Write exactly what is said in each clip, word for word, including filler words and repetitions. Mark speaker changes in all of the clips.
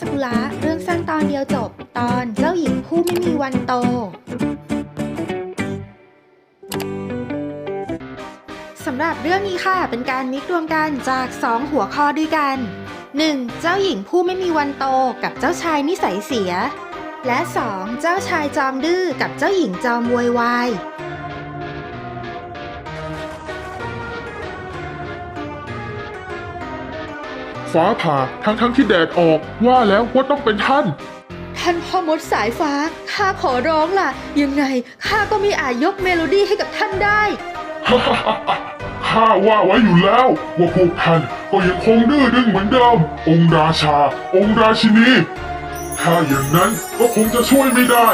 Speaker 1: ซากุระเรื่องสั้นตอนเดียวจบตอนเจ้าหญิงผู้ไม่มีวันโตสำหรับเรื่องนี้ค่ะเป็นการมิกรวมกันจากสองหัวข้อด้วยกัน หนึ่ง. เจ้าหญิงผู้ไม่มีวันโตกับเจ้าชายนิสัยเสียและ สอง. เจ้าชายจอมดื้อกับเจ้าหญิงจอมโวยวาย
Speaker 2: ฟ้าผ่าทั้งทั้งที่แดดออกว่าแล้วว่าต้องเป็นท่าน
Speaker 1: ท่านพ่อมดสายฟ้าข้าขอร้องล่ะยังไงข้าก็ไม่อาจยกเมโลดี้ให้กับท่านได้
Speaker 2: ข้าว่าไว้อยู่แล้วว่าพวกท่านก็ยังคงดื้อดึงเหมือนเดิมองค์ราชาองค์ราชินีถ้าอย่างนั้นก็คงจะช่วยไม่ได้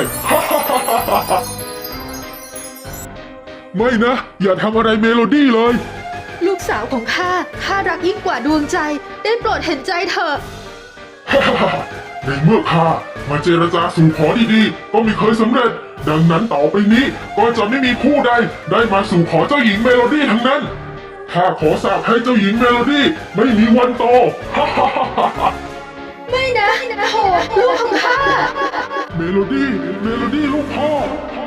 Speaker 2: ไม่นะอย่าทำอะไรเมโลดี้เลย
Speaker 1: ลูกสาวของข้าข้ารักยิ่งกว่าดวงใจได้โปรดเห็นใจเถอะ
Speaker 2: ในเมื่อข้ามาเจรจาสู่ขอดีๆก็ไม่เคยสำเร็จดังนั้นต่อไปนี้ก็จะไม่มีผู้ใดได้มาสู่ขอเจ้าหญิงเมโลดี้ทั้งนั้นข้าขอสาปให้เจ้าหญิงเมโลดี้ไม่มีวันโต
Speaker 1: ไม่นะโถลูกของข้า
Speaker 2: เมโลดี้เมโลดี้ลูกพ่อ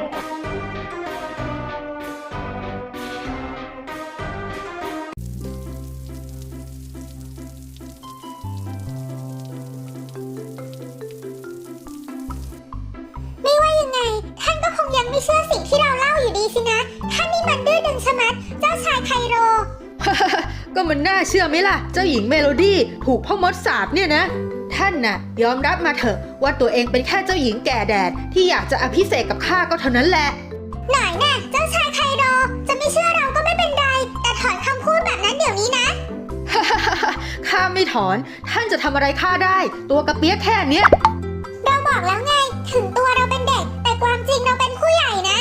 Speaker 3: ไม่เชื่อสิ่งที่เราเล่าอยู่ดีสินะท่านนี่มันดื้อดึงชะมัดเจ้าชายไคโร
Speaker 1: ก็มันน่าเชื่อไหมล่ะเจ้าหญิงเมโลดี้ถูกพ่อมดสาปเนี่ยนะท่านน่ะยอมรับมาเถอะว่าตัวเองเป็นแค่เจ้าหญิงแก่แดดที่อยากจะอภิเษกกับข้าก็เท่านั้นแหละ
Speaker 3: หน่อยแน่เจ้าชายไคโรจะไม่เชื่อเราก็ไม่เป็นไรแต่ถอนคำพูดแบบนั้นเดี๋ยวนี้นะ
Speaker 1: ข้าไม่ถอนท่านจะทำอะไรข้าได้ตัวกระเปี๊ยกแค่เนี้ย
Speaker 3: เราบอกแล้วไงถึงตัวเราเป็นเด็กแต่ความจริงเราเป็นผู้ใหญ่นะ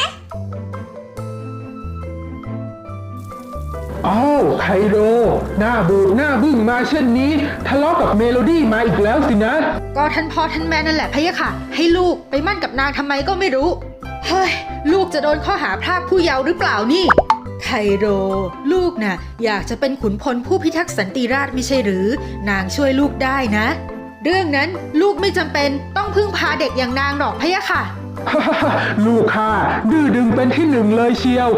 Speaker 4: อ้าวไคโรหน้าบูดหน้าบึ้งมาเช่นนี้ทะเลาะกับเมโลดี้มาอีกแล้วสินะ
Speaker 1: ก็ท่านพ่อท่านแม่นั่นแหละพะยะค่ะให้ลูกไปมั่นกับนางทำไมก็ไม่รู้เฮ้ยลูกจะโดนข้อหาพรากผู้เยาว์หรือเปล่านี่ไคโรลูกน่ะอยากจะเป็นขุนพลผู้พิทักษ์สันติราษฎร์ไม่ใช่หรือนางช่วยลูกได้นะเรื่องนั้นลูกไม่จำเป็นต้องพึ่งพาเด็กอย่างนางหรอกพะยะค่ะ
Speaker 4: ลูกข้าดื้อดึงเป็นที่หนึ่งเลยเชียว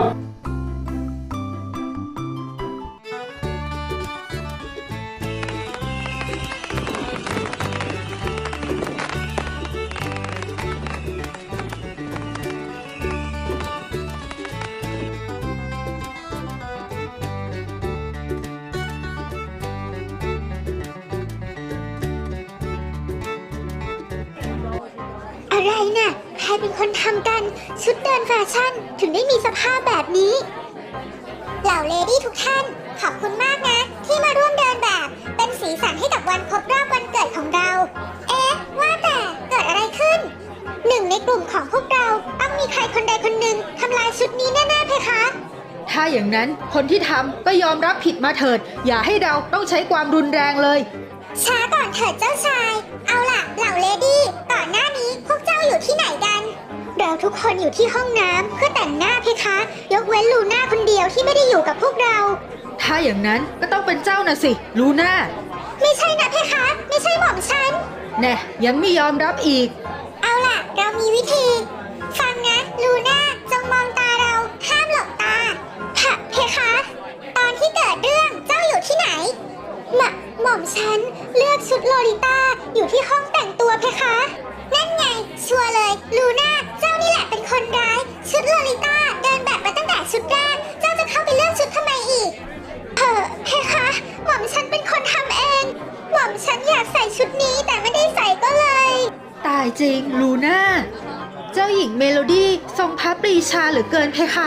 Speaker 3: อะไรน่ะใครเป็นคนทำกันชุดเดินแฟชั่นถึงได้มีสภาพแบบนี้เหล่าเลดี้ทุกท่านขอบคุณมากนะที่มาร่วมเดินแบบเป็นสีสันให้กับวันครบรอบวันเกิดของเราเอ๊ะว่าแต่เกิดอะไรขึ้นหนึ่งในกลุ่มของพวกเราต้องมีใครคนใดคนหนึ่งทำลายชุดนี้แน่ๆเพคะ
Speaker 1: ถ้าอย่างนั้นคนที่ทำก็ยอมรับผิดมาเถิดอย่าให้เราต้องใช้ความรุนแรงเลย
Speaker 3: ช้าก่อนเถิดเจ้าชายเอาล่ะเหล่าเลดี้ก่อนหน้านี้พวกเจ้าอยู่ที่ไหนกันเราทุกคนอยู่ที่ห้องน้ำเพื่อแต่งหน้าเพคะยกเว้นลูน่าคนเดียวที่ไม่ได้อยู่กับพวกเรา
Speaker 1: ถ้าอย่างนั้นก็ต้องเป็นเจ้าน่ะสิลูน่า
Speaker 3: ไม่ใช่นะเพคะไม่ใช่หม่อมฉัน
Speaker 1: แน่ยังไม่ยอมรับอีก
Speaker 3: เอาล่ะเรามีวิธีฟังนะลูน่าจงมองตาเราห้ามหลบตาฮะเพคะตอนที่เกิดเรื่องเจ้าอยู่ที่ไหนหม่หม่อมฉันเลือกชุดโลลิต้าอยู่ที่ห้องแต่งตัวเพคะนั่นไงชัวร์เลยลูน่าเจ้านี่แหละเป็นคนร้ายชุดโลลิต้าเดินแบบมาตั้งแต่ชุดแรกเจ้าจะเข้าไปเลือกชุดทำไมอีกเออเพคะหม่อมฉันเป็นคนทำเองหม่อมฉันอยากใส่ชุดนี้แต่ไม่ได้ใส่ก็เลย
Speaker 1: ตายจริงลูน่าเจ้าหญิงเมโลดี้ทรงพระปรีชาเหลือเกินเพคะ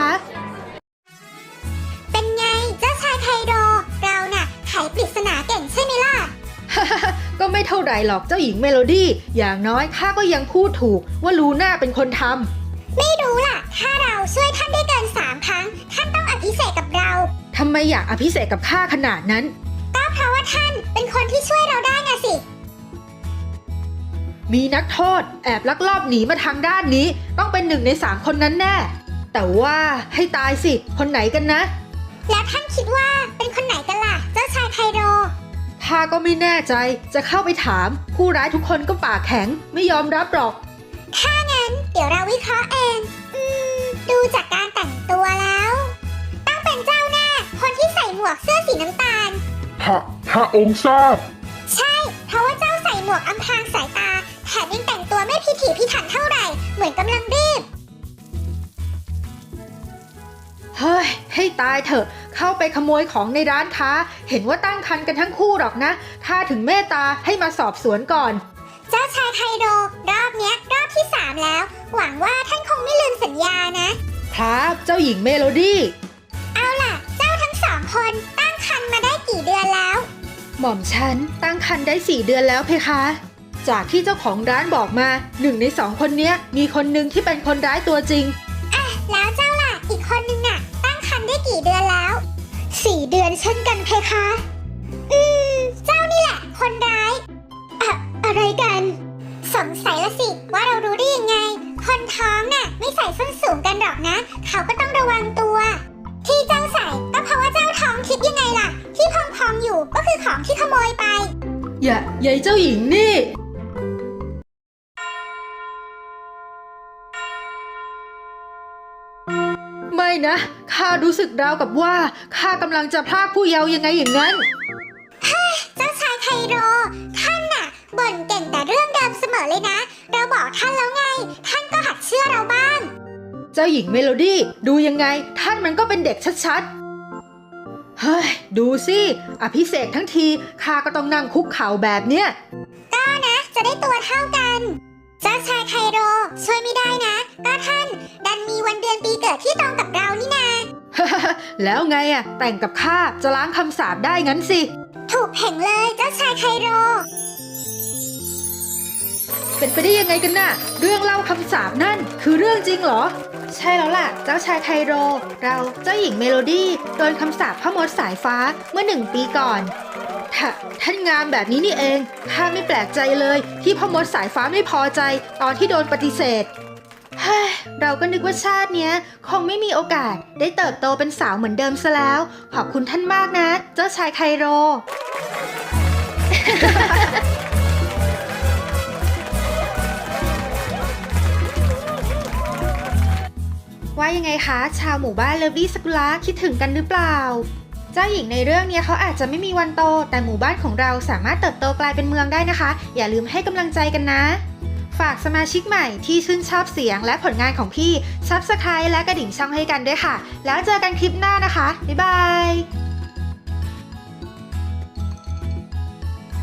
Speaker 3: เป็นไงเจ้าชายไคโรเราน่ะไขปริศนาเก่งใช่ไหมล่ะ
Speaker 1: ก็ไม่เท่าไรหรอกเจ้าหญิงเมโลดี้อย่างน้อยข้าก็ยังพูดถูกว่าลูน่าเป็นคนท
Speaker 3: ำไม่รู้ล่ะถ้าเราช่วยท่านได้เกินสามครั้งท่านต้องอภิเษกกับเรา
Speaker 1: ทำไมอยากอภิเษกกับข้าขนาดนั้น
Speaker 3: ก็เพราะว่าท่านเป็นคนที่ช่วยเราได้ไงสิ
Speaker 1: มีนักโทษแอบลักลอบหนีมาทางด้านนี้ต้องเป็นหนึ่งในสามคนนั้นแน่แต่ว่าให้ตายสิคนไหนกันนะ
Speaker 3: แล้วท่านคิดว่าเป็นคนไหนกันล่ะเจ้าชายไคโร
Speaker 1: ถข้าก็ไม่แน่ใจจะเข้าไปถามผู้ร้ายทุกคนก็ปากแข็งไม่ยอมรับหรอก
Speaker 3: ถ้างั้นเดี๋ยวเราวิเคราะห์เอง อืม ดูจากการแต่งตัวแล้ว ต้องเป็นเจ้าหน้า คนที่ใส่หมวกเสื้อสีน้ำตาล
Speaker 2: พระพระองค์ทราบ
Speaker 3: ใช่ เพราะว่าเจ้าใส่หมวกอำพรางสายตา แถมยังแต่งตัวไม่พิถีพิถันเท่าไหร่ เหมือนกำลังรีบ
Speaker 1: เฮ้ยให้ตายเถอะเข้าไปขโมยของในร้านค้าเห็นว่าตั้งครรภ์กันทั้งคู่หรอกนะถ้าถึงเมตตาให้มาสอบสวนก่อน
Speaker 3: เจ้าชายไคโดรอบเนี้ยรอบที่สามแล้ว หวังว่าท่านคงไม่ลืมสัญญานะ
Speaker 1: ครับเจ้าหญิงเมโลดี้
Speaker 3: เอาล่ะ เจ้าทั้งสองคนตั้งครรภ์มาได้กี่เดือนแล้ว
Speaker 1: หม่อมฉันตั้งครรภ์ได้สี่เดือนแล้วเพคะ จากที่เจ้าของร้านบอกมาหนึ่งในสองคนเนี้ยมีคนหนึ่งที่เป็นคนร้ายตัวจริง
Speaker 3: อ่ะ แล้วเจ้าล่ะ อีกคนนึงน่ะ ตั้งครรภ์ได้กี่เดือนแล้วสี่เดือนเช่นกันเพคะ อืม เจ้านี่แหละ คนร้ายอะอะไรกัน สงสัยละสิว่าเรารู้ได้ยังไง คนท้องน่ะ ไม่ใส่ส้นสูงกันหรอกนะ เขาก็ต้องระวังตัว ที่เจ้าใส่ก็เพราะว่าเจ้าท้องคิดยังไงล่ะ ที่พองๆอยู่ก็คือของที่ขโมยไป
Speaker 1: อย่าใหญ่เจ้าหญิงนี่ ไม่นะข้ารู้สึกราวกับว่าข้ากำลังจะพลากผู้เยาว์ยังไงอย่างนั้น
Speaker 3: เจ้าชายไคโร ท่านน่ะบ่นเก่งแต่เรื่องเดิมเสมอเลยนะ เราบอกท่านแล้วไง ท่านก็หัดเชื่อเราบ้าง
Speaker 1: เจ้าหญิงเมโลดี้ดูยังไงท่านมันก็เป็นเด็กชัดๆ เฮ้ยดูสิอภิเษกทั้งทีข้าก็ต้องนั่งคุกเข่าแบบเนี้ย
Speaker 3: ก็นะ จะได้ตัวเท่ากัน เจ้าชายไคโรช่วยไม่ได้นะ ก็ท่านดันมีวันเดือนปีเกิดที่ตรงกับเรานี่นา
Speaker 1: แล้วไงอะแต่งกับข้าจะล้างคำสาปได้งั้นสิ
Speaker 3: ถูกเพ่งเลยเจ้าชายไคโร
Speaker 1: เป็นไปได้ยังไงกันน่ะ เรื่องเล่าคำสาปนั่นคือเรื่องจริงเหรอ ใช่แล้วล่ะ เจ้าชายไคโร เราเจ้าหญิงเมโลดี้โดนคำสาปพ่อมดสายฟ้าเมื่อหนึ่งปีก่อนท่าท่านงามแบบนี้นี่เองข้าไม่แปลกใจเลยที่พ่อมดสายฟ้าไม่พอใจตอนที่โดนปฏิเสธเฮ้ยเราก็นึกว่าชาติเนี้ยคงไม่มีโอกาสได้เติบโตเป็นสาวเหมือนเดิมซะแล้ว ขอบคุณท่านมากนะ เจ้าชายไคโร ว่ายังไงคะชาวหมู่บ้านเลิฟลี่สกุละคิดถึงกันหรือเปล่า เจ้าหญิงในเรื่องนี้เขาอาจจะไม่มีวันโตแต่หมู่บ้านของเราสามารถเติบโตกลายเป็นเมืองได้นะคะ อย่าลืมให้กำลังใจกันนะ ฝากสมาชิกใหม่ที่ชื่นชอบเสียงและผลงานของพี่ Subscribe และกระดิ่งช่องให้กันด้วยค่ะ แล้วเจอกันคลิปหน้านะคะบ๊ายบาย